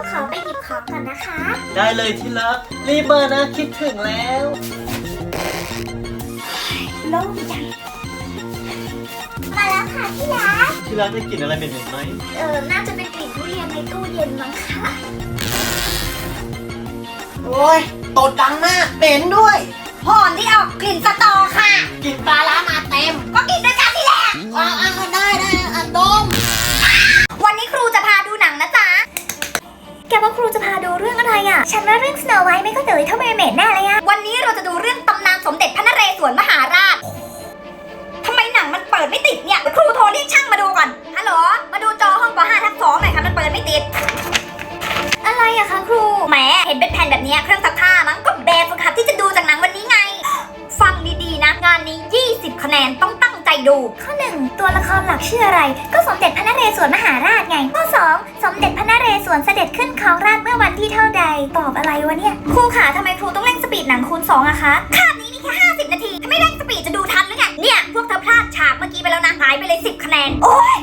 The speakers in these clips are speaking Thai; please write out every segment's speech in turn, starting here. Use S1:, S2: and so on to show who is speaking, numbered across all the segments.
S1: ขอไปหยิบของก่อนนะคะ
S2: ได้เลยที่รักรีบมานะคิดถึงแล้ว
S1: โล่งจังมาแล้วค่ะที่รัก
S2: ได้กลิ่นอะไรเหม็นๆไหม
S1: น่าจะเป็นกลิ่นทุเรียนในตู้เย็นมั้งค่ะ
S3: โอ้ยตดดังมากเหม็นด้วย
S1: หอมที่ออกกลิ่นสตอค่ะ
S3: กลิ่นปลาร้ามาเต็ม
S1: ก็กินด้วยกันนี่แหละ
S3: ได้ดม
S1: วันนี้ครูจะพาดูหนังนะจ๊ะแกว่าครูจะพาดูเรื่องอะไรอ่ะฉันว่าเรื่อง Snow White ไม่ก็เด๋ยเท่าเมอร์เมดแน่เลยอ่ะวันนี้เราจะดูเรื่องตำนานสมเด็จพระนเรศวรมหาราชทำไมหนังมันเปิดไม่ติดเนี่ยครูโทรเรียกช่างมาดูก่อนฮัลโหลมาดูจอห้องป .5/2 หน่อยค่ะมันเปิดไม่ติดอะไรอะคะครูแหมเห็นเป็นแผ่นแบบนี้เครื่องซักผ้ามั้งก็แบบฝึกหัดที่จะดูจากหนังวันนี้ไงฟังดีๆนะงานนี้20คะแนนต้องตั้งใจดูข้อ1ตัวละครหลักชื่ออะไรก็สมเด็จพระนเรศวรมหาราชไงข้อ2สมเด็จพระนเรศวรเสด็จขึ้นครองราชย์เมื่อวันที่เท่าใดตอบอะไรวะเนี่ยครูขาทำไมครูต้องเร่งสปีดหนังคูณ2อะคะคาบนี้มีแค่50นาทีถ้าไม่เร่งสปีดจะดูทันหรือไงเนี่ยพวกเธอพลาดฉากเมื่อกี้ไปแล้วนะหายไปเลย10คะแนนโอ๊ย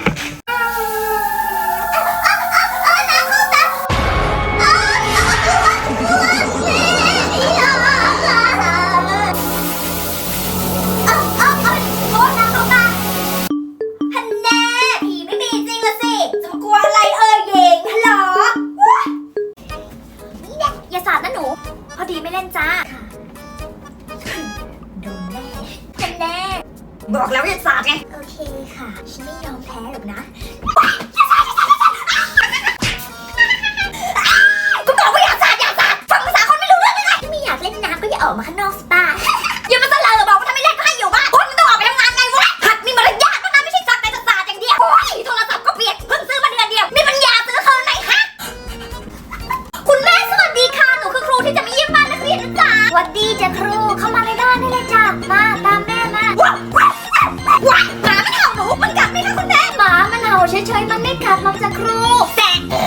S1: พอดีไม่เล่นจ้าโดนแน่แน่บอกแล้วอย่าสาดไงโอเคค่ะฉันไม่ยอมแพ้หรอกนะกูบอกว่าอย่าสาดฟังภาษาคนไม่รู้เรื่องเลยไม่อยากเล่นน้ำก็อย่าออกมาข้างนอกสปาอย่ามาเสลอบอกว่าถ้าไม่เล่นก็ให้อยู่บ้านคนมันต้องออกไปทำงานไงวะหัดมีมารยาทบ้างนะไม่ใช่สักแต่จะสาดอย่างเดียวโอ้ยโทรศัพท์ก็เปลี่ยนเพิ่งซื้อมาเดือนเดียวมีปัญญาซื้อคืนไหนฮะคุณแม่สวัสดีค่ะหนูคือครูที่จะมาเยี่ยมบ้านนักเรียนนะจ๊ะสวัสดีจ้ะครูเข้ามาในบ้านได้เลยจ้ะมาตามแม่มาว้าวหมามันเห่าหนูมันกัดไหมคะคุณแม่หมามันเห่าเฉยๆมันไม่กัดหรอกจ้ะครูแต่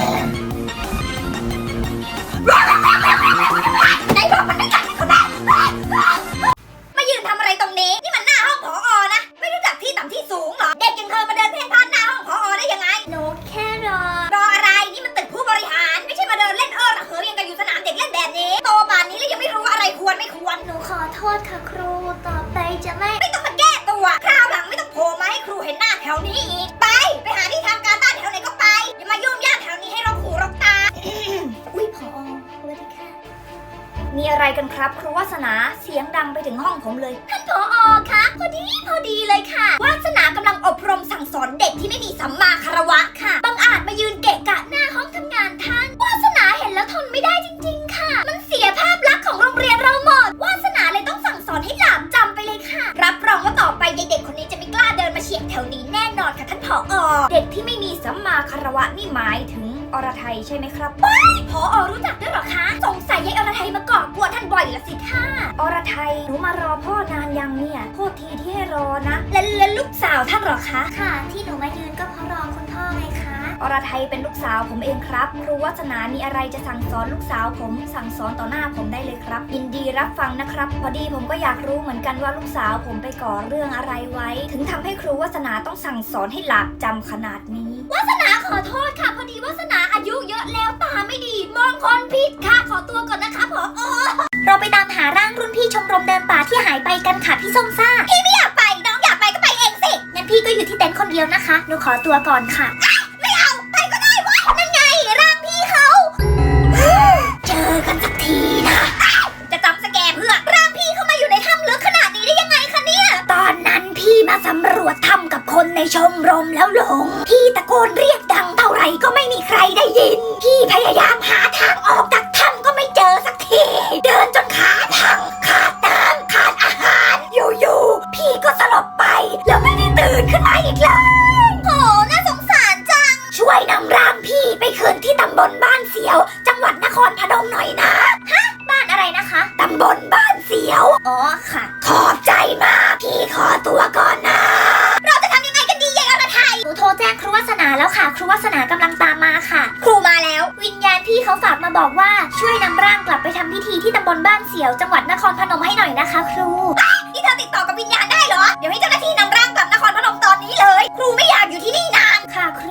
S1: ไหนบอกมันไม่กัดคุณแม่มายืนทำอะไรตรงนี้นี่มันหน้าห้องผอ.นะไม่รู้จักที่ต่ำที่สูงเหรอเด็กอย่างเธอมาเดินเพ่นพ่านหน้าห้องผอ.ได้ยังไงหนูแค่รออะไรนี่มันตึกผู้บริหารไม่ใช่มาเดินเล่นระเหยยังกันอยู่สนามเด็กเล่นแบบนี้โตป่านนี้แล้วยังไม่รู้อะไรควรไม่ควรหนูขอโทษค่ะครูต่อไปจะไม่ต้องมาแก้ตัวคราวหลังไม่ต้องโผล่มาให้ครูเห็นหน้าแถวนี้อีกไปหาที่ทำการบ้านแถวไหนก็ไปอย่ามายุ่งยากแถวนี้ให้รกหูรกตาอุ้ยผอ.สวัสดีค่ะมีอะไรกันครับครูวาสนาเสียงดังไปถึงห้องผมเลยท่านผอ.คะพอดีเลยค่ะวาสนากำลังอบรมสั่งสอนเด็กที่ไม่มีสัมมาคารวะค่ะบังอาจมายืนเกะกะหน้าห้องทำงานท่านวาสนาเห็นแล้วทนไม่ได้จริงๆค่ะมันเสียภาพลักษณ์ของโรงเรียนเราหมดวาสนาเลยต้องสั่งสอนให้หลาบจำไปเลยค่ะรับรองว่าต่อไปยายเด็กคนนี้จะไม่กล้าเดินมาเฉียดแถวนี้แน่นอนค่ะท่านผอ.เด็กที่ไม่มีสัมมาคารวะนี่หมายถึงอรไทยใช่ไหมครับผอ.รู้จักด้วยหรอคะสงสัยยายอรไทยมาก่อกวนท่านบ่อยละสิค่ะอรไทยหนูมารอพ่อนานยังเนี่ยโทษทีที่ให้รอนะแล้วลูกสาวท่านหรอคะค่ะที่หนูมายืนก็เพราะรอคุณพ่อไงคะอรไทยเป็นลูกสาวผมเองครับครูวาสนามีอะไรจะสั่งสอนลูกสาวผมสั่งสอนต่อหน้าผมได้เลยครับยินดีรับฟังนะครับพอดีผมก็อยากรู้เหมือนกันว่าลูกสาวผมไปก่อเรื่องอะไรไว้ถึงทำให้ครูวาสนาต้องสั่งสอนให้หลาบจำขนาดนี้วาสนาขอโทษค่ะพอดีวาสนาอายุเยอะแล้วตาไม่ดีมองคนผิดค่ะขอตัวก่อนนะคะผอ.เราไปตามหาร่างรุ่นพี่ชมรมเดินป่าที่หายไปกันค่ะพี่ส้มซ่าพี่ไม่อยากไปน้องอยากไปก็ไปเองสิงั้นพี่ก็อยู่ที่เต็นท์คนเดียวนะคะหนูขอตัวก่อนค่ะไม่เอาไปก็ได้วะนั่นไงร่างพี่เขาเจอกันสักทีนะจะจำสแกมเพื่อร่างพี่เข้ามาอยู่ในถ้ำลึกขนาดนี้ได้ยังไงคะเนี่ยตอนนั้นพี่มาสำรวจถ้ำกับคนในชมรมแล้วหลงพี่ตะโกนเรียกดังเท่าไหร่ก็ไม่มีใครได้ยินพี่พยายามหาทางออกจากถ้ำก็ไม่เจอสักทีเดินจนขาพังขาดน้ำขาดอาหารอยู่ๆพี่ก็สลบไปแล้วไม่ได้ตื่นขึ้นมาอีกเลยโหน่าสงสารจังช่วยนำร่างพี่ไปคืนที่ตำบลบ้านเสียวจังหวัดนครพนมหน่อยนะฮะบ้านอะไรนะคะตำบลบ้านเสียวอ๋อค่ะขอบใจมากพี่ขอตัวก่อนนะเราจะทำยังไงกันดียายอรไทยหนูโทรแจ้งครูวาสนาแล้วค่ะครูวาสนากำลังตามมาค่ะครูมาแล้ววิญญาณพี่เขาฝากมาบอกว่าช่วยนำร่างกลับไปทำพิธีที่ตำบลบ้านเสียวจังหวัดนครพนมให้หน่อยนะคะครูนี่เธอติดต่อกับวิญญาณได้เหรอเดี๋ยวให้เจ้าหน้าที่นำร่างกลับนครพนมตอนนี้เลยครูไม่อยากอยู่ที่นี่นานค่ะครู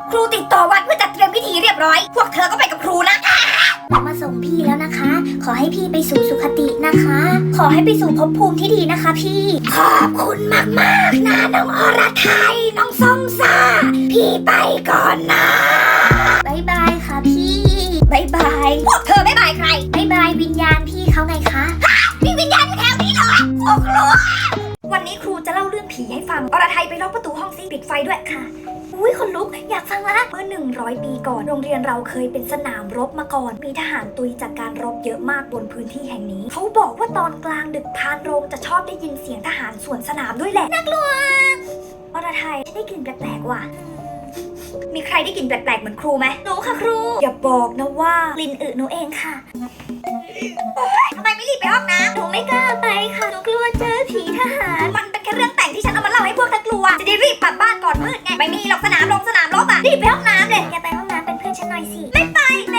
S1: ครูติดต่อวัดเพื่อจัดเตรียมพิธีเรียบร้อย พวกเธอก็ไปกับครูนะมาส่งพี่แล้วนะคะ ขอให้พี่ไปสู่สุคตินะคะ ขอให้ไปสู่ภพภูมิที่ดีนะคะพี่ ขอบคุณมากๆนะน้องอรไทยน้องส้มซ่าพี่ไปก่อนนะบายบายค่ะพี่บายบายพวกเธอบายบายใครบายบายวิญญาณพี่เขาไงคะมีวิญญาณอยู่แถวนี้เหรอโอ้ครูวันนี้ครูจะเล่าเรื่องผีให้ฟังอรไทยไปล็อกประตูห้องซิปิดไฟด้วยค่ะอุ้ยคนลุกอยากฟังละเมื่อ100 ปีก่อนโรงเรียนเราเคยเป็นสนามรบมาก่อนมีทหารตุยจากการรบเยอะมากบนพื้นที่แห่งนี้เขาบอกว่าตอนกลางดึกพานโรงจะชอบได้ยินเสียงทหารสวนสนามด้วยแหละน่ากลัวอรไทยได้กลิ่นแปลกๆว่ะมีใครได้กลิ่นแปลกๆเหมือนครูไหมหนูค่ะครูอย่าบอกนะว่ากลิ่นอึหนูเองค่ะทำไมไม่รีบไปห้องน้ำหนูไม่กล้าไปค่ะหนูกลัวเจอผีทหารมันเป็นแค่เรื่องแต่งที่ฉันเอามาเล่าให้พวกเธอกลัวจะได้รีบกลับบ้านก่อนมืดไงไม่มีหรอกสนามรบอ่ะรีบไปห้องน้ำเลยอย่าไปห้องน้ำเป็นเพื่อนฉันหน่อยสิไม่ไป